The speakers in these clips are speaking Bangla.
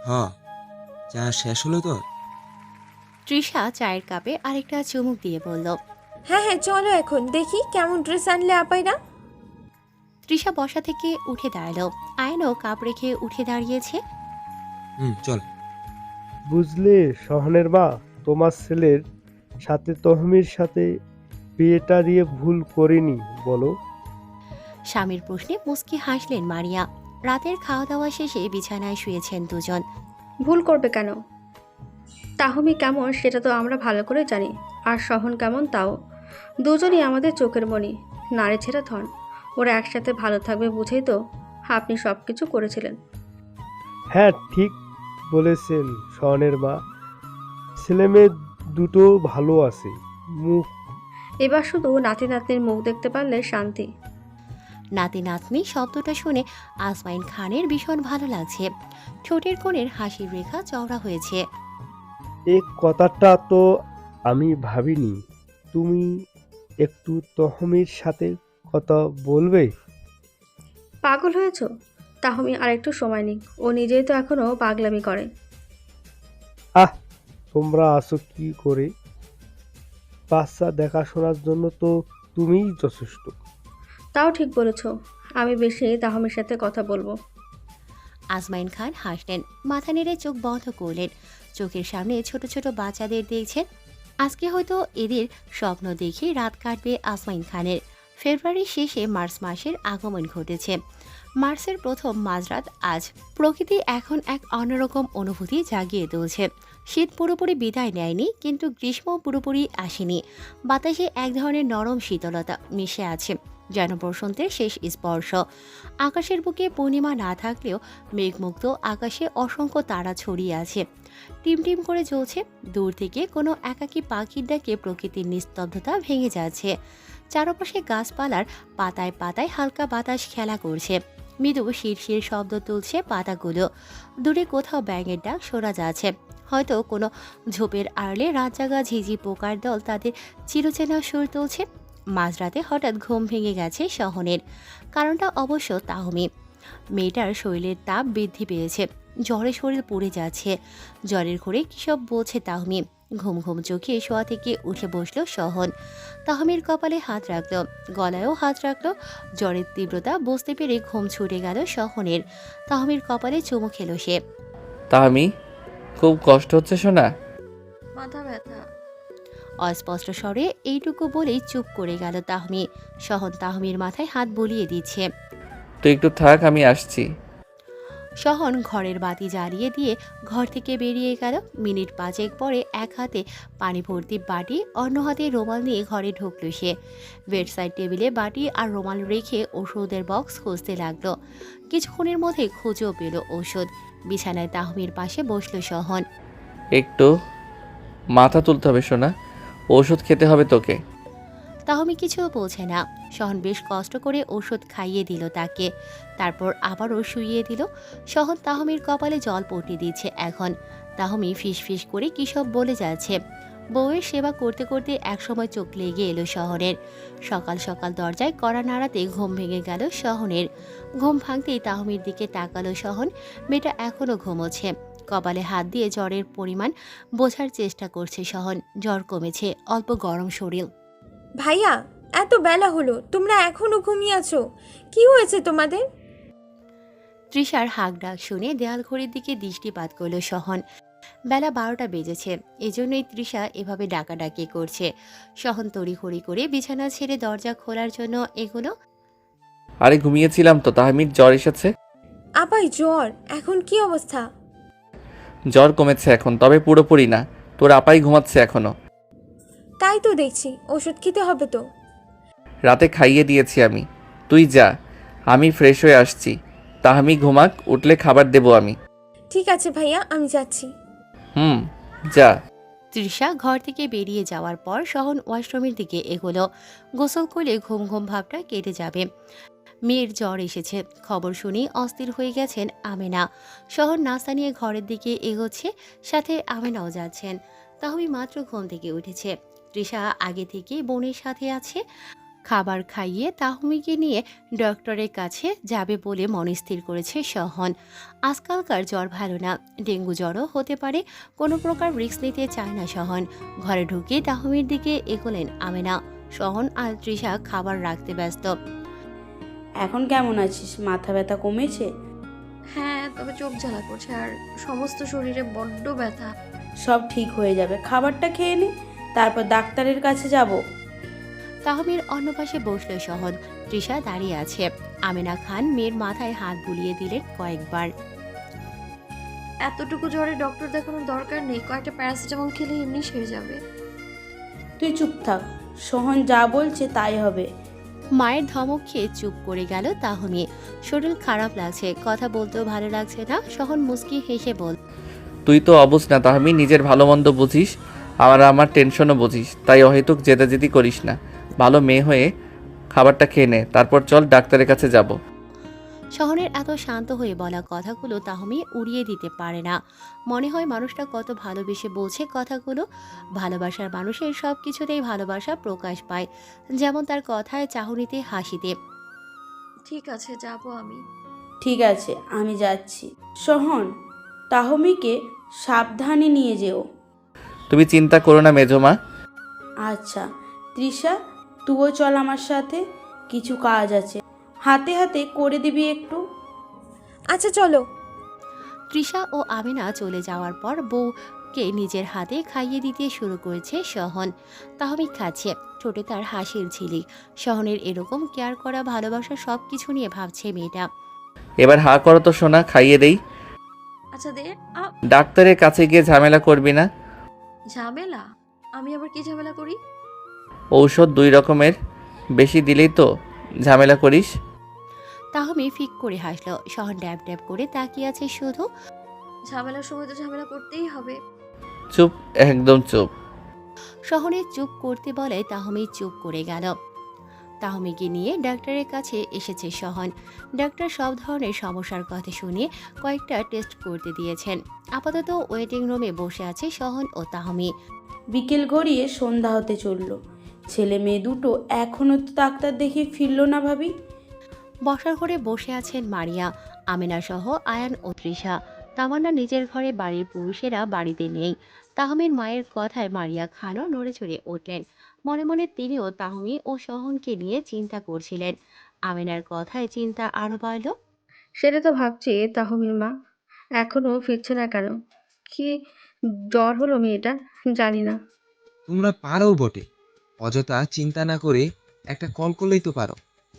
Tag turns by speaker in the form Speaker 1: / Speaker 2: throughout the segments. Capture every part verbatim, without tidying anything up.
Speaker 1: হ, চা শেষ হলো তোর?
Speaker 2: তৃষা চায়ের কাপে আরেকটা চুমুক দিয়ে বলল।
Speaker 3: হ্যাঁ হ্যাঁ, চলো এখন দেখি কেমন ড্রেস আনলে আপাইরা।
Speaker 2: তৃষা বসা থেকে উঠে দাঁড়ালো। আয়নও কাপ রেখে উঠে দাঁড়িয়েছে।
Speaker 1: হুম, চল।
Speaker 4: বুঝলে সহনের মা, তোমার ছেলের সাথে তহমির সাথে বিয়েটা দিয়ে ভুল করিনি বলো?
Speaker 2: স্বামীর প্রশ্নে মুচকি হাসলেন মারিয়া। রাতের খাওয়া দাওয়া শেষে বিছানায় শুয়েছেন দুজন।
Speaker 5: ভুল করবে কেন? তাহমি কেমন সেটা তো আমরা ভালো করে জানি, আর সহন কেমন তাও। দুজনই আমাদের চোখের মণি, নারী ছেড়ে ধন। ওরা একসাথে ভালো থাকবে বুঝেই তো আপনি সব কিছু করেছিলেন।
Speaker 4: হ্যাঁ, ঠিক বলেছেন সহনের মা। ছেলেমেয়ে দুটো ভালো আছে। মুখ
Speaker 5: এবার শুধু নাতি নাতনির মুখ দেখতে পারলে শান্তি।
Speaker 2: নাতি নাতনি শব্দটা শুনে আসমাইন খানের ভীষণ ভালো লাগছে। ঠোঁটের কোণের হাসির রেখা চওড়া হয়েছে।
Speaker 4: এই কথাটা তো আমি ভাবিনি। তুমি একটু তহমির সাথে কথা বলবে?
Speaker 5: পাগল হয়েছ? তাহমি আর একটু সময় নিক, ও নিজেই তো এখনো পাগলামি করে।
Speaker 4: আহ, তোমরা আছো কি করে? বাচ্চা দেখাশোনার জন্য তো তুমিই যথেষ্ট।
Speaker 5: তাও ঠিক বলেছ, আমি বেশি তাহমির সাথে কথা বলবো।
Speaker 2: আসমাইন খান হাসলেন, মাথা নেড়ে চোখ বন্ধ করলেন। চোখের সামনে ছোট ছোট বাচ্চাদের দেখছেন। আজকে হয়তো এদের স্বপ্ন দেখে রাত কাটবে আসমাইন খানের। ফেব্রুয়ারির শেষে মার্চ মাসের আগমন ঘটেছে। মার্চের প্রথম মাঝরাত আজ। প্রকৃতি এখন এক অন্যরকম অনুভূতি জাগিয়ে তুলছে। শীত পুরোপুরি বিদায় নেয়নি, কিন্তু গ্রীষ্ম পুরোপুরি আসেনি। বাতাসে এক ধরনের নরম শীতলতা মিশে আছে, যেন বসন্তের শেষ স্পর্শ। আকাশের বুকে পূর্ণিমা না থাকলেও মেঘমুক্ত আকাশে অসংখ্য তারা ছড়িয়ে আছে, টিমটিম করে জ্বলছে। দূর থেকে কোনো একাকী পাখির ডাকে প্রকৃতির নিস্তব্ধতা ভেঙে যাচ্ছে। চারপাশে গাছপালার পাতায় পাতায় হালকা বাতাস খেলা করছে। মৃদু শিরশির শব্দ তুলছে পাতাগুলো। দূরে কোথাও ব্যাঙের ডাক শোনা যাচ্ছে। হয়তো কোনো ঝোপের আড়লে রাত জাগা ঝিঝি পোকার দল তাদের চিরচেনা সুর তুলছে। মাঝরাতে হঠাৎ ঘুম ভেঙে গেছে সহনের। কারণটা অবশ্য তাহমি। মেয়েটার শরীরের তাপ বৃদ্ধি পেয়েছে, জ্বরে শরীর পুড়ে যাচ্ছে। জ্বরের ঘরে কী সব বলছে তাহমি। ঘুম ঘুম চোখে শোয়া থেকে উঠে বসলো সহন। তাহমির কপালে হাত রাখলো, গলায়ও হাত রাখলো। জ্বরের তীব্রতা বুঝতে পেরে ঘুম ছুটে গেল সহনের। তাহমির কপালে চুমু খেলো সে।
Speaker 6: তাহমি, খুব কষ্ট হচ্ছে শোনা?
Speaker 3: মাথা ব্যথা।
Speaker 2: অস্পষ্ট স্বরে এইটুকু বলেই চুপ করে গেল তাহমি। সহন তাহমির মাথায় হাত বুলিয়ে দিচ্ছে।
Speaker 6: তুই একটু থাক, আমি আসছি।
Speaker 2: সহন ঘরের বাতি জ্বালিয়ে দিয়ে ঘর থেকে বেরিয়ে গেল। মিনিট পাঁচেক পরে এক হাতে পানি ভর্তি বাটি, অন্য হাতে রুমাল নিয়ে ঘরে ঢুকল সে। বেডসাইড টেবিলে বাটি আর রুমাল রেখে ওষুধের বক্স খুঁজতে লাগলো। কিছুক্ষণের মধ্যে খুঁজেও পেল ওষুধ। বিছানায় তাহমির পাশে বসল সহন।
Speaker 6: একটু মাথা তুলতে হবে শোনা, ওষুধ খেতে হবে তোকে।
Speaker 2: তাহমি কিছুও বলছে না। সহন বেশ কষ্ট করে ওষুধ খাইয়ে দিল তাকে, তারপর আবারও শুইয়ে দিল। সহন তাহমির কপালে জল পড়তে দিচ্ছে এখন। তাহমি ফিস ফিস করে কী সব বলে যাচ্ছে। বউয়ের সেবা করতে করতে একসময় চোখ লেগে এলো শহরের। সকাল সকাল দরজায় কড়া নাড়াতে ঘুম ভেঙে গেল সহনের। ঘুম ভাঙতেই তাহমির দিকে তাকালো সহন। মেয়েটা এখনও ঘুমোচ্ছে। কপালে হাত দিয়ে জ্বরের পরিমাণ বোঝার চেষ্টা করছে সহন। জ্বর কমেছে, অল্প গরম শরীর।
Speaker 3: ভাইয়া, এত বেলা হলো, তোমরা এখনো ঘুমিয়ে আছো? কি হয়েছে তোমাদের?
Speaker 2: তৃষার হাঁক ডাক শুনে দেয়াল ঘড়ির দিকে দৃষ্টিপাত করল সহন। বেলা বারোটা বেজেছে, এজন্যই তৃষা এভাবে ডাকাডাকি করছে। সহন তড়িঘড়ি করে বিছানা ছেড়ে দরজা খোলার জন্য এগুলো।
Speaker 6: আরে ঘুমিয়েছিলাম তো, তাহমির জ্বর এসেছে।
Speaker 3: আপাই জ্বর? এখন কি অবস্থা?
Speaker 6: জ্বর কমেছে এখন, তবে পুরোপুরি না। তোর আপাই ঘুমাচ্ছে এখনো।
Speaker 3: তাই তো দেখছি, ওষুধ খেতে হবে তো।
Speaker 6: রাতে খাইয়ে দিয়েছি আমি। তুই যা, আমি ফ্রেশ হয়ে আসছি। তাহমি ঘুমাক, উঠলে খাবার দেবো আমি।
Speaker 3: ঠিক আছে ভাইয়া, আমি যাচ্ছি।
Speaker 6: হুম, যা।
Speaker 2: তৃষা ঘর থেকে বেরিয়ে যাওয়ার পর সহন ওয়াশরুমের দিকে এগোলো। গোসল করলে ঘুম ঘুম ভাবটা কেটে যাবে। মেয়ের জ্বর এসেছে খবর শুনেই অস্থির হয়ে গেছেন আমেনা। শহর নাস্তা নিয়ে ঘরের দিকে এগোচ্ছে, সাথে আমেনাও যাচ্ছেন। তাহমি মাত্র ঘুম থেকে উঠেছে। তৃষা আগে থেকে বোনের সাথে আছে। খাবার খাইয়ে তাহমিকে নিয়ে ডক্টরের কাছে যাবে বলে মনস্থির করেছে সহন। আজকালকার জ্বর ভালো না, ডেঙ্গু জ্বরও হতে পারে, কোনো প্রকার রিস্ক নিতে চায় না সহন। ঘরে ঢুকে তাহমির দিকে এগোলেন আমেনা। সহন আর তৃষা খাবার রাখতে ব্যস্ত।
Speaker 7: এখন কেমন আছিস? মাথা ব্যথা কমেছে?
Speaker 8: হ্যাঁ, তবে চোখ জ্বালা করছে আর সমস্ত শরীরে বড্ড ব্যথা।
Speaker 7: সব ঠিক হয়ে যাবে, খাবারটা খেয়ে নে, তারপর ডাক্তারের কাছে যাব।
Speaker 2: তাহমির অন্য পাশে বসল সহন। তৃষা দাঁড়িয়ে আছে। আমেনা খান মেয়ের মাথায় হাত বুলিয়ে দিলেন কয়েকবার।
Speaker 8: এতটুকু জ্বরে ডক্টর দেখানোর দরকার নেই, কয়েকটা প্যারাসিটামল খেলে এমনি সেরে যাবে।
Speaker 7: তুই চুপ থাক, সোহন যা বলছে তাই হবে।
Speaker 2: মায়ের ধমক খেয়ে চুপ করে গেল তাহমি। শরীর খারাপ লাগছে, কথা বলতেও ভালো লাগছে না। সহন মুস্কি হেসে বল,
Speaker 6: তুই তো অবুঝ না তাহমি, নিজের ভালো মন্দ বুঝিস, আর আমার টেনশনও বুঝিস, তাই অহেতুক জেদাজেদি করিস না। ভালো মেয়ে হয়ে খাবারটা খেয়ে নে, তারপর চল ডাক্তারের কাছে যাব।
Speaker 2: শহরের এত শান্ত হয়ে বলা কথাগুলো তাহমি উড়িয়ে দিতে পারে না। মনে হয় মানুষটা কত ভালোবেসে বলছে কথাগুলো। ভালোবাসার মানুষের সব কিছুতেই ভালোবাসা প্রকাশ পায়, যেমন তার কথায়, চাহনিতে, হাসিতে।
Speaker 8: ঠিক আছে, যাবো আমি।
Speaker 7: ঠিক আছে, আমি যাচ্ছি। সোহন, তাহমিকে সাবধানে নিয়ে যেও।
Speaker 6: তুমি চিন্তা করো না মেজমা।
Speaker 7: আচ্ছা তৃষা, তুইও চল আমার সাথে, কিছু কাজ আছে, হাতে হাতে করে দিবি একটু।
Speaker 3: আচ্ছা চলো।
Speaker 2: তৃষা ও আমিনা চলে যাওয়ার পর বউকে নিজের হাতে খাইয়ে দিতে শুরু করেছে সহন। তাহমি খাচ্ছে, ঠোঁটে তার হাসির ঝিলিক। সহনের এরকম কেয়ার করা, ভালোবাসা সব কিছু নিয়ে ভাবছে মেয়েটা।
Speaker 6: এবার হা করো তো সোনা, খাইয়ে দেই।
Speaker 8: আচ্ছা দে। আ,
Speaker 6: ডাক্তারের কাছে গিয়ে ঝামেলা করবি না।
Speaker 8: ঝামেলা? আমি আবার কি ঝামেলা করি?
Speaker 6: ঔষধ দুই রকমের, বেশি দিলেই তো ঝামেলা করিস।
Speaker 2: তাহমি ফিক করে হাসলো। সহন ড্যাব ড্যাব করে তাকিয়ে আছে শুধু।
Speaker 8: ঝামেলার সময় তো ঝামেলা করতেই হবে।
Speaker 6: চুপ, একদম চুপ।
Speaker 2: শহরে চুপ করতে বলে তাহমি চুপ করে গেল। তাহমিকে নিয়ে ডাক্তারের কাছে এসেছে সহন। ডাক্তার সব ধরনের সমস্যার কথা শুনে কয়েকটা টেস্ট করতে দিয়েছেন। আপাতত ওয়েটিং রুমে বসে আছে সহন ও তাহমি।
Speaker 7: বিকেল গড়িয়ে সন্ধ্যা হতে চলল, ছেলে মেয়ে দুটো এখনো তো ডাক্তার দেখিয়ে ফিরল না ভাবি।
Speaker 2: বসার ঘরে বসে আছেন মারিয়া, আমিনা সহ আয়ান ও তৃষা। তামান্না নিজের ঘরে, বাড়ির পুরুষেরা বাড়িতে নেই। তাহমির মায়ের কথায় মারিয়া খানও নড়ে চড়ে উঠলেন। মনে মনে তিনিও তাহমি ও সহনকে নিয়ে চিন্তা করছিলেন। আমিনার কথায় চিন্তা আরো বাড়ল।
Speaker 5: সেটা তো ভাবছি, তাহমির মা এখনো ফিরছে না কেন? কি জ্বর হলো মেয়েটার? জানি না।
Speaker 1: তোমরা পারো বটে, অযথা চিন্তা না করে একটা কল করলেই তো পারো।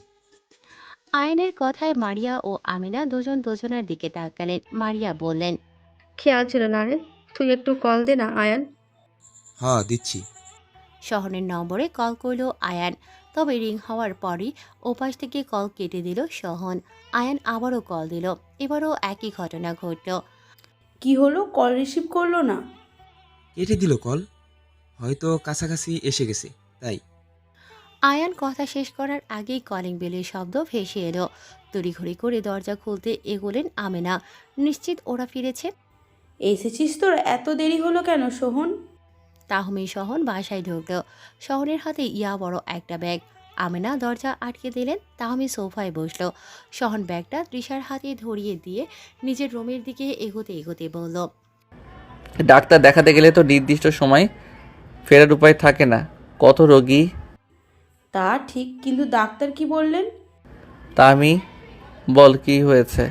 Speaker 2: আয়নের কথায় মারিয়া ও আমিনা দুজন দুজনের দিকে তাকালেন। মারিয়া বললেন,
Speaker 5: খেয়াল ছিল না রে, তুই একটু কল দে না আয়ান।
Speaker 1: হ্যাঁ দিচ্ছি।
Speaker 2: শহরের নম্বরে কল করলো আয়ান। তবে রিং হওয়ার পরই ওপাশ থেকে কল কেটে দিল সহন। আয়ান আবারও কল দিল। এবারও একই ঘটনা ঘটল।
Speaker 7: কি হলো, কল রিসিভ করলো না?
Speaker 1: কেটে দিল কল, হয়তো কাছাকাছি এসে গেছে তাই।
Speaker 2: আয়ান কথা শেষ করার আগেই কলিং বেলের শব্দ ভেসে এলো। তড়িঘড়ি করে দরজা খুলতে এগোলেন আমেনা। নিশ্চিত ওরা ফিরেছে।
Speaker 7: এসেছিস তোর? এত দেরি হলো কেন সোহন?
Speaker 2: তাহমি সহন বাসায় ঢুকল। শহরের হাতে ইয়া বড় একটা ব্যাগ। আমেনা দরজা আটকে দিলেন। তাহমি সোফায় বসলো। সহন ব্যাগটা তৃষার হাতে ধরিয়ে দিয়ে নিজের রুমের দিকে এগোতে এগোতে বলল,
Speaker 6: ডাক্তার দেখাতে গেলে তো নির্দিষ্ট সময় ফেরার উপায় থাকে না, কত রোগী।
Speaker 7: তা ঠিক, কিন্তু ডাক্তার কি বললেন?
Speaker 6: তা আমি বল কি হয়েছে।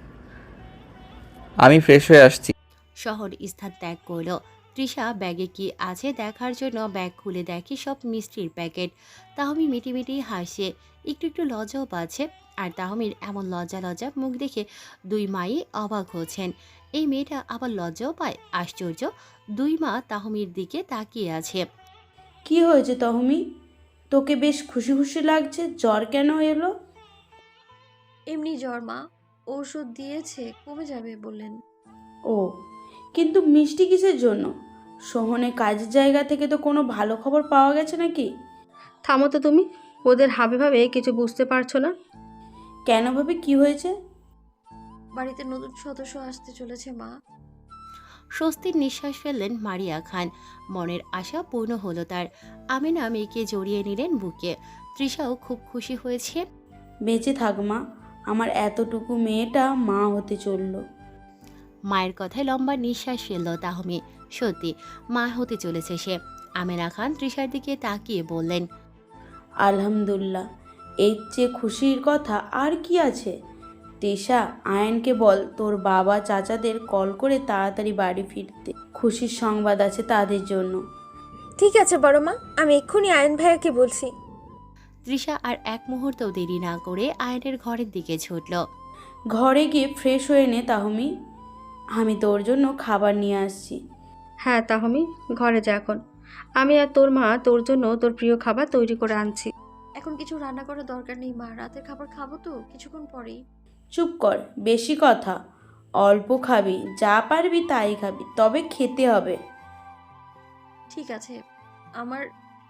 Speaker 6: আমি ফ্রেশ হয়ে আসছি।
Speaker 2: শহর স্থান ত্যাগ করল। তৃষা ব্যাগে কি আছে দেখার জন্য ব্যাগ খুলে দেখে সব মিষ্টির প্যাকেট। তাহমি মিটিমিটি হাসে, একটু একটু লজ্জাও পাচ্ছে। আর তাহমির এমন লজ্জা লজ্জা মুখ দেখে দুই মাই অবাক হচ্ছেন। এই মেয়েটা আবার লজ্জাও পায়, আশ্চর্য। দুই মা তাহমির দিকে তাকিয়ে আছে।
Speaker 7: কি হয়েছে তহমি? তোকে বেশ খুশি খুশি লাগছে, জ্বর কেন এলো?
Speaker 8: এমনি জ্বর মা, ওষুধ দিয়েছে, কমে যাবে বললেন।
Speaker 7: ও, কিন্তু মিষ্টি কিসের জন্য? সোহনের কাজের জায়গা থেকে তো কোনো ভালো খবর পাওয়া গেছে নাকি?
Speaker 5: থামো তো তুমি, ওদের হাবে ভাবে কিছু বুঝতে পারছো না।
Speaker 7: কেন ভাবে, কি হয়েছে?
Speaker 8: বাড়িতে নতুন সদস্য আসতে চলেছে মা।
Speaker 2: স্বস্তির নিঃশ্বাস ফেললেন মারিয়া খান। মনের আশা পূর্ণ হলো তার। আমিনা মেয়েকে জড়িয়ে নিলেন বুকে। তৃষাও খুব খুশি হয়েছে।
Speaker 7: বেঁচে থাক মা, আমার এতটুকু মেয়েটা মা হতে চলল।
Speaker 2: মায়ের কথায় লম্বা নিঃশ্বাস ফেলল তাহমি। সত্যি মা হতে চলেছে সে। আমেনা খান তৃষার দিকে তাকিয়ে বললেন,
Speaker 7: আলহামদুলিল্লাহ, এর চেয়ে খুশির কথা আর কি আছে? তৃষা, আয়নকে বল তোর বাবা চাচাদের কল করে তাড়াতাড়ি বাড়ি ফিরতে, খুশির সংবাদ আছে তাদের জন্য।
Speaker 3: ঠিক আছে বড় মা, আমি এক্ষুনি আয়ন ভাইয়াকে বলছি।
Speaker 2: তৃষা আর এক মুহূর্তও দেরি না করে আয়নের ঘরের দিকে ছুটল।
Speaker 7: ঘরে গিয়ে ফ্রেশ হয়ে নে তাহমি, আমি তোর জন্য খাবার নিয়ে আসছি।
Speaker 5: হ্যাঁ তাহমি, ঘরে যা এখন। আমি আর তোর মা তোর জন্য তোর প্রিয় খাবার তৈরি করে আনছি।
Speaker 8: এখন কিছু রান্না করার দরকার নেই মা, রাতের খাবার খাবো তো কিছুক্ষণ পরেই।
Speaker 7: চুপ কর, বেশি কথা। অল্প খাবি, যা পারবি তাই খাবি, তবে খেতে হবে।
Speaker 8: ঠিক আছে, আমার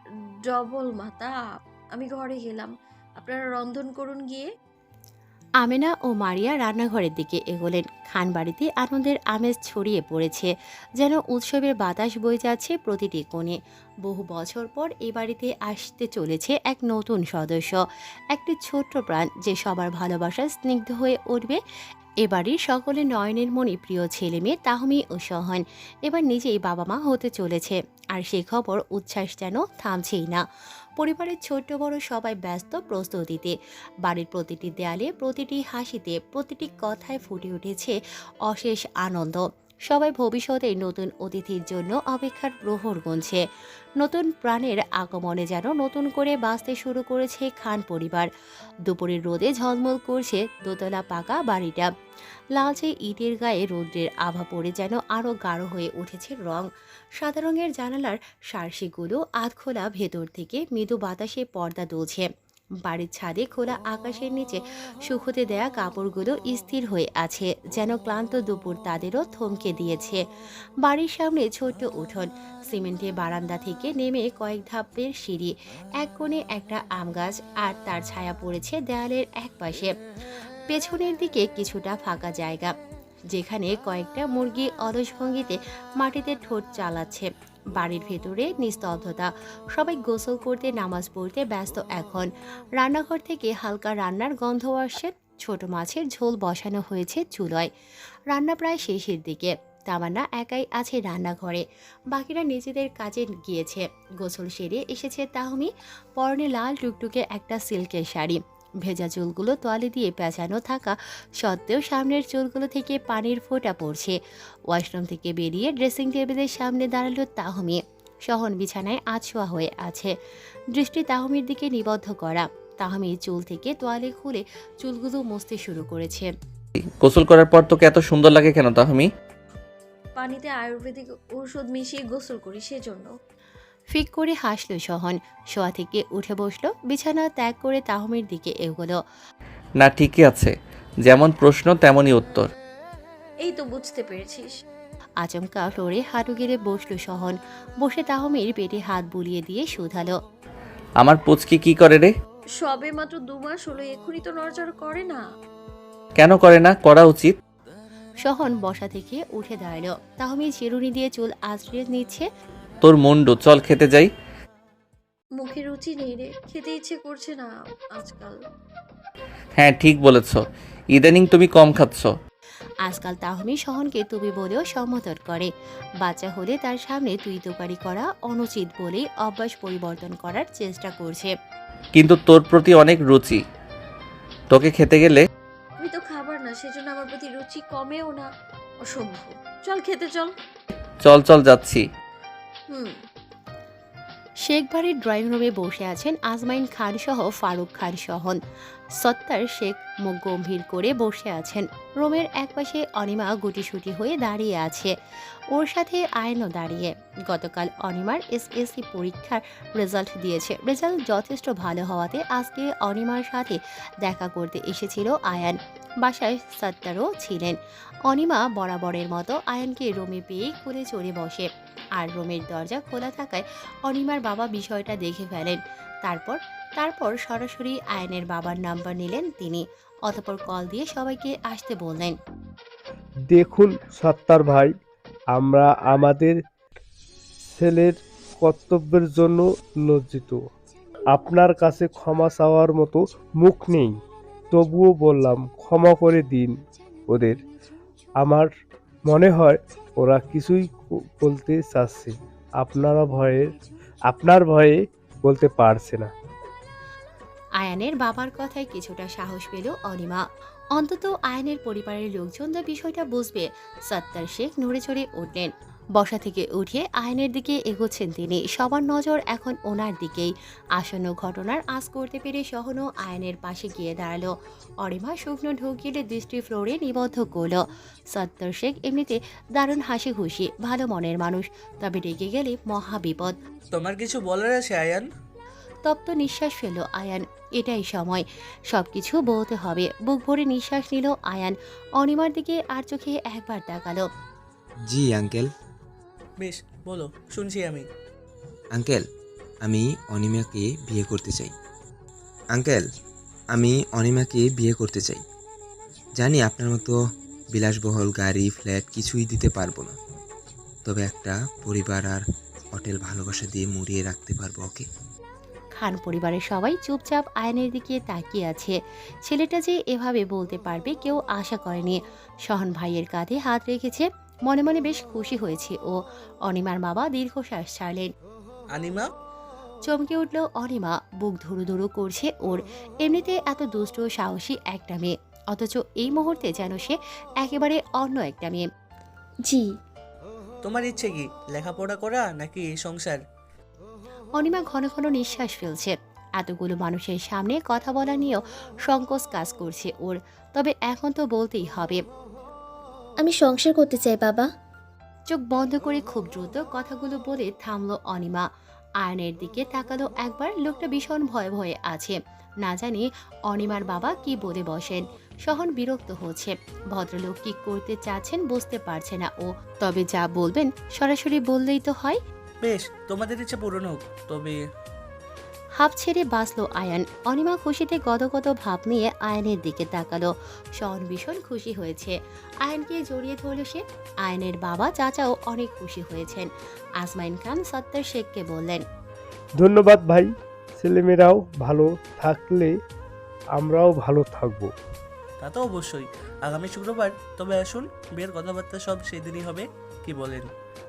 Speaker 8: ডবল মাথা। আমি ঘরে গেলাম, আপনারা রন্ধন করুন গিয়ে।
Speaker 2: আমেনা ও মারিয়া রান্নাঘরের দিকে এগোলেন। খান বাড়িতে আনন্দের আমেজ ছড়িয়ে পড়েছে, যেন উৎসবের বাতাস বয়ে যাচ্ছে প্রতিটি কোণে। বহু বছর পর এ বাড়িতে আসতে চলেছে এক নতুন সদস্য, একটি ছোট্ট প্রাণ যে সবার ভালোবাসার স্নিগ্ধ হয়ে উঠবে। এ বাড়ির সকলের নয়নের মণি প্রিয় ছেলে মেয়ে তাহমি ও সহন এবার নিজেই বাবা মা হতে চলেছে, আর সে খবর উচ্ছ্বাস যেন থামছেই না। পরিবারের ছোট্ট বড় সবাই ব্যস্ত প্রস্তুতিতে। বাড়ির প্রতিটি দেয়ালে, প্রতিটি হাসিতে, প্রতিটি কথায় ফুটে উঠেছে অশেষ আনন্দ। সবাই ভবিষ্যতে নতুন অতিথির জন্য অপেক্ষার প্রহর গুনছে। নতুন প্রাণের আগমনে যেন নতুন করে বাঁচতে শুরু করেছে খান পরিবার। দুপুরের রোদে ঝলমল করছে দোতলা পাকা বাড়িটা। লালচে ইটের গায়ে রৌদ্রের আভা পড়ে যেন আরও গাঢ় হয়ে উঠেছে রং। সাদা রঙের জানালার সার্সিগুলো আধখোলা, ভেতর থেকে মৃদু বাতাসে পর্দা দুলছে। বাড়ির ছাদে খোলা আকাশের নিচে শুকোতে দেয়া কাপড়গুলো স্থির হয়ে আছে, যেন ক্লান্ত দুপুর তাদেরও থমকে দিয়েছে। বাড়ির সামনে ছোট্ট উঠোন, সিমেন্টে বারান্দা থেকে নেমে কয়েক ধাপের সিঁড়ি, এক কোণে একটা আম গাছ, আর তার ছায়া পড়েছে দেয়ালের এক পাশে। পেছনের দিকে কিছুটা ফাঁকা জায়গা, যেখানে কয়েকটা মুরগি অলস ভঙ্গিতে মাটিতে ঠোঁট চালাচ্ছে। বাড়ির ভেতরে নিস্তব্ধতা, সবাই গোসল করতে, নামাজ পড়তে ব্যস্ত এখন। রান্নাঘর থেকে হালকা রান্নার গন্ধ আসছে। ছোট মাছের ঝোল বসানো হয়েছে চুলোয়। রান্না প্রায় শেষের দিকে। তামান্না একাই আছে রান্নাঘরে, বাকিরা নিজেদের কাজে গিয়েছে। গোসল সেরে এসেছে তাহমি, পরনে লাল টুকটুকে একটা সিল্কের শাড়ি। ভেজা চুলগুলো তোয়ালে দিয়ে পেঁচানো থাকা সত্ত্বেও সামনের চুলগুলো থেকে পানির ফোঁটা পড়ছে। ওয়াশরুম থেকে বেরিয়ে ড্রেসিং টেবিলের সামনে দাঁড়ালো তাহমি। সহন বিছানায় আছোয়া হয়ে আছে, দৃষ্টি তাহমির দিকে নিবদ্ধ করা। তাহমি চুল থেকে তোয়ালে খুলে চুলগুলো মুছতে শুরু করেছে।
Speaker 6: গোসল করার পর তোকে এত সুন্দর লাগে কেন তাহমি?
Speaker 8: পানিতে আয়ুর্বেদিক ঔষধ মিশিয়ে গোসল করি সেজন্য।
Speaker 2: ফিক করে হাসল সহন। শোয়া থেকে উঠে বসলো, বিছানা ত্যাগ করে তাহমির দিকে এগোলো।
Speaker 6: না, ঠিকই আছে, যেমন প্রশ্ন তেমনই উত্তর।
Speaker 8: এই তো বুঝতে পেরেছিস।
Speaker 2: আচমকা ফ্লোরে হাঁটু গেড়ে বসলো সহন। বসে তাহমির পেটে হাত বুলিয়ে দিয়ে শুধালো,
Speaker 6: আমার পুচকি কি করে রে?
Speaker 8: সবে মাত্র দু মাস হলো, এখনই তো নড়চড় করে না।
Speaker 6: কেন করে না? করা উচিত।
Speaker 2: সহন বসা থেকে উঠে দাঁড়ালো। তাহমি চিরুনি দিয়ে চুল আঁচড়ে নিচ্ছে।
Speaker 6: তোর মুন্ডু, চল খেতে যাই।
Speaker 8: মুখে রুচি নেই রে, খেতে ইচ্ছে করছে না আজকাল।
Speaker 6: হ্যাঁ ঠিক বলেছ, ইদানিং তুমি কম খাচ্ছ।
Speaker 2: আজকাল তাহমি সহনকে তুমি বলেও সম্বোধন করে। বাচ্চা হলে তার সামনে তুই তোকারি করা অনুচিত বলেই অভ্যাস পরিবর্তন করার চেষ্টা করছে।
Speaker 6: কিন্তু তোর প্রতি অনেক রুচি, তোকে খেতে গেলে।
Speaker 8: আমি তো খাবার না, সেজন্য আমার প্রতি রুচি কমেও না। অসম্ভব। চল খেতে চল।
Speaker 6: চল চল যাচ্ছি।
Speaker 8: হুম।
Speaker 2: শেখ বাড়ির ড্রয়িং রুমে বসে আছেন আজমাইন খান সহ ফারুক খান সহন। সত্তার শেখ মুখ গম্ভীর করে বসে আছেন। রুমের একপাশে অনিমা গুটিসুটি হয়ে দাঁড়িয়ে আছে, ওর সাথে আয়নও দাঁড়িয়ে। গতকাল অনিমার এসএসসি পরীক্ষার রেজাল্ট দিয়েছে। রেজাল্ট যথেষ্ট ভালো হওয়াতে আজকে অনিমার সাথে দেখা করতে এসেছিল আয়ান। বাসায় সত্তারও ছিলেন। অনিমা বরাবরের মতো আয়ানকে রুমে পেয়েই কোলে চড়ে বসে, আর রুমের দরজা খোলা থাকায় অনিমার বাবা বিষয়টা দেখে ফেলেন। তারপর তারপর সরাসরি আয়নের বাবার নাম্বার নিলেন তিনি। অতঃপর কল দিয়ে সবাইকে আসতে বললেন।
Speaker 4: দেখুন সত্তার ভাই, আমরা আমাদের ছেলের কর্তব্যের জন্য লজ্জিত। আপনার কাছে ক্ষমা চাওয়ার মতো মুখ নেই, তবুও বললাম ক্ষমা করে দিন ওদের। আমার মনে হয় ওরা কিছুই ক- বলতে চাচ্ছে, আপনারা ভয়ের আপনার ভয়ে বলতে পারছে না।
Speaker 2: আয়ানের বাবার কথায় কিছুটা সাহস পেল অনিমা। অন্তত আয়ানের পরিবারের লোকজন তো বিষয়টা বুঝবে। সত্তার শেখ নড়ে চড়ে উঠলেন। বসা থেকে উঠে আয়নের দিকে এগোচ্ছেন তিনি। সবার নজর এখন ওনার দিকেই। আসন্ন ঘটনার আঁচ করতে পেরে সহনও আয়নের পাশে গিয়ে দাঁড়ালো। অরিমা শুকনো ঢোক গিলে দৃষ্টি ফ্লোরে নিবদ্ধ করল। সত্তার শেখ এমনিতে দারুণ হাসি খুশি, ভালো মনের মানুষ, তবে রেগে গেলে মহা বিপদ।
Speaker 9: তোমার কিছু বলার আছে আয়ান?
Speaker 2: তপ্ত নিঃশ্বাস ফেল আয়ান। এটাই সময়, সবকিছু বলতে হবে। বুক ভরে নিঃশ্বাস নিল আয়ান। অনিমার দিকে আর চোখে একবার তাকালো।
Speaker 1: জি আঙ্কেল।
Speaker 9: বেশ, বলো, শুনছি আমি।
Speaker 1: আঙ্কেল, আমি অনিমাকে বিয়ে করতে চাই। আঙ্কেল, আমি অনিমাকে বিয়ে করতে চাই। জানি আপনার মতো বিলাসবহুল গাড়ি, ফ্ল্যাট কিছুই দিতে পারবো না, তবে একটা পরিবার আর হোটেল ভালোবাসা দিয়ে মুড়িয়ে রাখতে পারবো ওকে।
Speaker 2: খান পরিবারের সবাই চুপচাপ আয়নের দিকে তাকিয়ে আছে। ছেলেটা যে এভাবে বলতে পারবে কেউ আশা করেনি। সহন ভাইয়ের কাঁধে হাত রেখেছে, মনে মনে বেশ খুশি হয়েছে ও। অনিমার বাবা দীর্ঘশ্বাস ছাড়লেন।
Speaker 9: আনিমা,
Speaker 2: চমকে উঠল অনিমা। বুক ধুরু ধুরু করছে ওর। এমনিতে এত দুষ্ট ও সাহসী একটা মেয়ে, অথচ এই মুহূর্তে যেন সে একেবারে অন্য একটা মেয়ে।
Speaker 5: জি।
Speaker 9: তোমার ইচ্ছে কি, লেখাপড়া করা নাকি সংসার?
Speaker 2: অনিমা ঘন ঘন নিঃশ্বাস ফেলছে। এতগুলো মানুষের সামনে কথা বলা নিয়েও সংকোচ কাজ করছে ওর, তবে এখন তো বলতেই হবে।
Speaker 10: আমি সংসার করতে চাই বাবা।
Speaker 2: চোখ বন্ধ করে খুব দ্রুত কথাগুলো বলে থামলো অনিমা। আয়নের দিকে তাকালো একবার। লোকটা ভীষণ ভয়ে ভয়ে আছে, না জানি অনিমার বাবা কি বলে বসেন। সহন বিরক্ত হচ্ছে। ভদ্রলোক কি করতে চাচ্ছেন বুঝতে পারছে না ও, তবে যা বলবেন সরাসরি বললেই তো হয়।
Speaker 9: বেশ, তোমাদের ইচ্ছে পূরণ হোক, তবে
Speaker 2: হাফ ছেড়ে বাঁচলো আয়ান। অনিমা খুশিতে গদগদ ভাব নিয়ে আয়নের দিকে তাকালো। শহন ভীষণ খুশি হয়েছে। আয়নকে জড়িয়ে ধরল সে। আয়নের বাবা চাচাও অনেক খুশি হয়েছেন। আজমাইন খান সত্তার শেখকে বললেন,
Speaker 4: ধন্যবাদ ভাই, ছেলেমেয়েরাও ভালো থাকলে আমরাও ভালো থাকবো।
Speaker 9: তা তো অবশ্যই। আগামী শুক্রবার তবে আসুন, বিয়ের কথাবার্তা সব সেদিনই হবে, কি বলেন?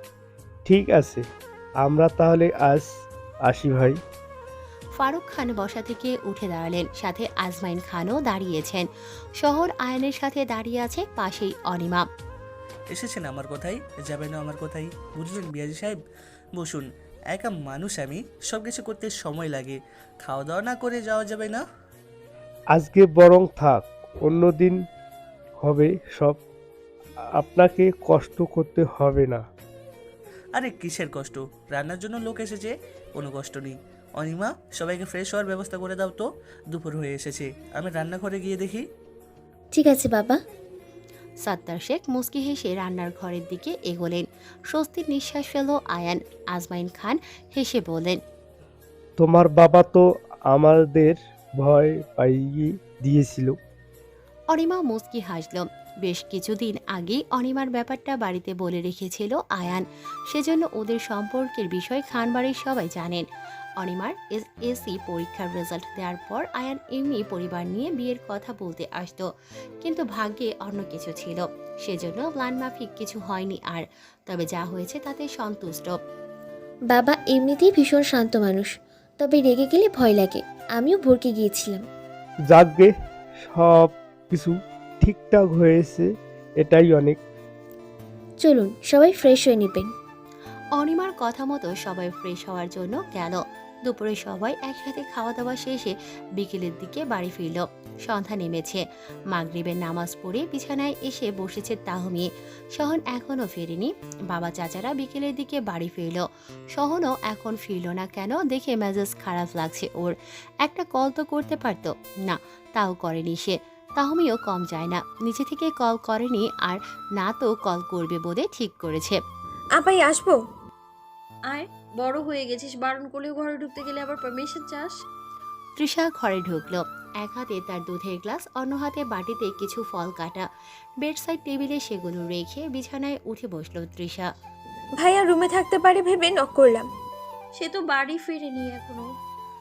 Speaker 4: ঠিক আছে, আমরা তাহলে আজ আসি ভাই।
Speaker 2: ফারুক খান বসা থেকে উঠে দাঁড়ালেন। সাথে আজমাইন খানও দাঁড়িয়েছেন। শহর আয়নের সাথে দাঁড়িয়ে আছে, পাশেই অনিমা।
Speaker 9: এসেছেন আমার কথাই, যাবেন না আমার কথাই, বুঝলেন বিয়াজি সাহেব? বসুন। একা মানুষ আমি, সব কিছু করতে সময় লাগে, খাওয়া দাওয়া না করে যাওয়া যাবে না।
Speaker 4: আজকে বরং থাক, অন্যদিন হবে সব। আপনাকে কষ্ট করতে হবে না।
Speaker 9: আরে কিসের কষ্ট, রান্নার জন্য লোক এসেছে, কোনো কষ্ট নেই। অনিমা, সবাইকে ফ্রেশ হওয়ার ব্যবস্থা করে দাও তো, দুপুর হয়ে এসেছে। আমি রান্নাঘরে গিয়ে দেখি।
Speaker 10: ঠিক আছে বাবা।
Speaker 2: সত্তার শেখ মুচকি হেসে রান্নার ঘরের দিকে এগোলেন। স্বস্তির নিঃশ্বাস ফেল আয়ান। আজমাইন খান হেসে বললেন,
Speaker 4: তোমার বাবা তো আমাদের ভয় পাইয়ে দিয়েছিল।
Speaker 2: অনিমা মুচকি হাসল। বেশ কিছুদিন আগেই অনিমার ব্যাপারটা বাড়িতে বলে রেখেছিল আয়ান, সেজন্য ওদের সম্পর্কের বিষয় খানবাড়ির সবাই জানেন। অনিমার এসএসসি পরীক্ষার রেজাল্ট দেওয়ার পর আয়ান এমনি পরিবার নিয়ে বিয়ের কথা বলতে আসতো, কিন্তু ভাগ্যে অন্য কিছু ছিল, সেজন্য প্ল্যান মাফিক কিছু হয়নি আর। তবে যা হয়েছে তাতে সন্তুষ্ট।
Speaker 10: বাবা এমনিতেই ভীষণ শান্ত মানুষ, তবে রেগে গেলে ভয় লাগে। আমিও ভরকে গিয়েছিলাম।
Speaker 4: যাকগে, সব কিছু ঠিকঠাক হয়েছে, এটাই অনেক।
Speaker 10: চলুন সবাই ফ্রেশ হয়ে নেবেন।
Speaker 2: অনিমার কথা মতো সবাই ফ্রেশ হওয়ার জন্য গেল। দুপুরে সবাই একসাথে খাওয়া দাওয়া শেষে বিকেলের দিকে বাড়ি ফিরল। সন্ধ্যা নেমেছে। মাগরিবের নামাজ পড়ে বিছানায় এসে বসেছে তাহমি। সহন এখনও ফেরেনি। বাবা চাচারা বিকেলের দিকে বাড়ি ফিরল। সহনও এখন ফিরল না কেন দেখে মেজাজ খারাপ লাগছে ওর। একটা কল তো করতে পারতো, না তাও করেনি সে। তাহমিও কম যায় না, নিচে থেকে কল করেনি আর না তো কল করবে বলে ঠিক করেছে।
Speaker 3: আপাই আসবো?
Speaker 8: আয়, বড় হয়ে গেছিস, বারণ করলেও ঘরে ঢুকতে গেলে আবার পারমিশন চাস।
Speaker 2: তৃষা ঘরে ঢুকলো। এক হাতে তার দুধের গ্লাস, অন্য হাতে বাটিতে কিছু ফল কাটা। বেডসাইড টেবিলে সেগুলো রেখে বিছানায় উঠে বসলো তৃষা।
Speaker 3: ভাইয়া রুমে থাকতে পারে ভেবে নক করলাম।
Speaker 8: সে তো বাড়ি ফিরেনি এখনো।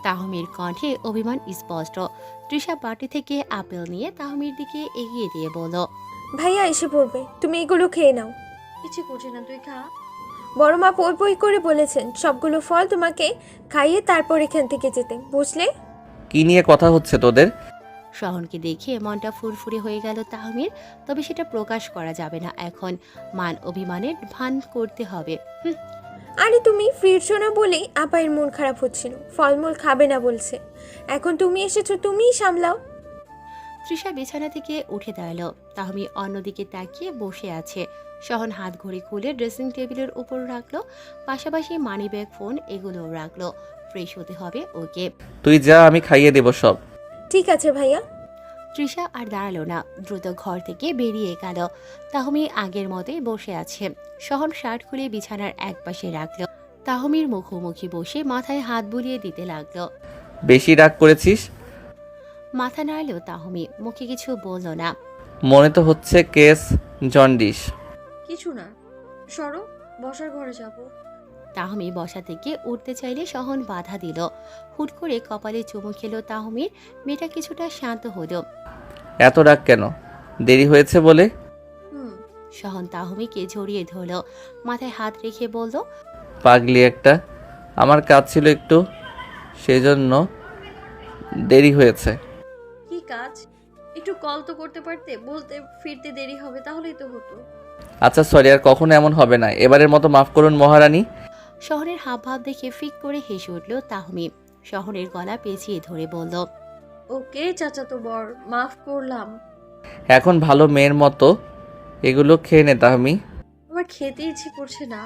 Speaker 2: তাহমির কণ্ঠে অভিমান স্পষ্ট। তৃষা বাটি থেকে আপেল নিয়ে তাহমির দিকে এগিয়ে দিয়ে বলল,
Speaker 3: ভাইয়া এসে পড়বে, তুমি এগুলো খেয়ে নাও।
Speaker 8: কিছু করছি না, তুই খা।
Speaker 3: বড় মা পই পই করে বলেছেন সবগুলো ফল তোমাকে খাইয়ে তারপর এখান থেকে যেতে, বুঝলে?
Speaker 6: কি নিয়ে কথা হচ্ছে তোদের?
Speaker 2: শহনকে দেখে মনটা ফুরফুরে হয়ে গেল তাহমির। তবে সেটা প্রকাশ করা যাবে না এখন, মান অভিমানের ভান করতে হবে। হুম,
Speaker 3: আরে তুমি ফিরছো না বলেই আপায়ের মন খারাপ হচ্ছিল, ফলমূল খাবে না বলছে। এখন তুমি এসেছো, তুমিই সামলাও।
Speaker 2: তৃষা বিছানা থেকে উঠে দাঁড়ালো। তাহমি অন্যদিকে তাকিয়ে বসে আছে। শহন হাত ঘড়ি খুলে ড্রেসিং টেবিলের উপর রাখলো, পাশাপাশি মানি ব্যাগ, ফোন এগুলোও রাখলো। ফ্রেশ হতে হবে ওকে।
Speaker 6: তুই যা, আমি খাইয়ে দেব সব।
Speaker 3: ঠিক আছে ভাইয়া।
Speaker 2: তৃষা আর দাঁড়ালো না, দ্রুত ঘর থেকে বেরিয়ে গেল। তাহমি আগের মতোই বসে আছে। শহন শার্ট খুলে বিছানার এক পাশে রাখলো। তাহমির মুখোমুখি বসে মাথায় হাত বুলিয়ে দিতে লাগলো।
Speaker 6: বেশি রাগ করেছিস?
Speaker 2: মাথা নাড়লো তাহমি, মুখে কিছু বলল না।
Speaker 6: মনে তো হচ্ছে কেস জন্ডিস।
Speaker 8: কিছু না, সরো, বসার ঘরে যাবো।
Speaker 2: তাহমি বসা থেকে উঠতে চাইলে শহন বাধা দিল। হুট করে কপালে চুমু খেলো তাহমির। মেয়েটা কিছুটা শান্ত হলো।
Speaker 6: এত রাগ কেন? দেরি হয়েছে বলে?
Speaker 8: হুম।
Speaker 2: শহন তাহমিকে জড়িয়ে ধরলো, মাথায় হাত রেখে বলল,
Speaker 6: পাগলি একটা, আমার কাজ ছিল একটু, সেজন্য দেরি হয়েছে।
Speaker 8: কি কাজ? একটু কল তো করতে পারতে, বলতে ফিরতে দেরি হবে, তাহলেই তো হতো।
Speaker 6: আচ্ছা সরি, আর কখনো এমন হবে না, এবারের মতো মাফ করুন মহারানী।
Speaker 2: শহরের হাবভাব দেখে ফিক করে হেসে উঠল তাহমি। শহরের গলা পেঁচিয়ে ধরে বলল,
Speaker 8: ওকে চাচা তো বর, মাফ করলাম।
Speaker 6: এখন ভালো মেয়ের মতো এগুলো খেয়ে নে তাহমি।
Speaker 8: আমার খেতে ইচ্ছে করছে না।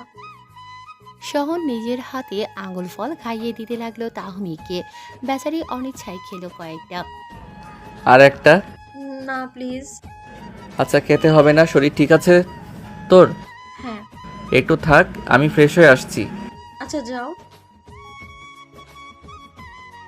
Speaker 2: শহন নিজের হাতে আঙুল ফল খাইয়ে দিতে লাগলো তাহমিকে। বেচারি অনিচ্ছায় খেলো কয়েকটা।
Speaker 6: আর একটা?
Speaker 8: না প্লিজ।
Speaker 6: আচ্ছা খেতে হবে না, শরীর ঠিক আছে তোর?
Speaker 8: হ্যাঁ।
Speaker 6: একটু থাক, আমি ফ্রেশ হয়ে আসছি।
Speaker 8: আচ্ছা যাও।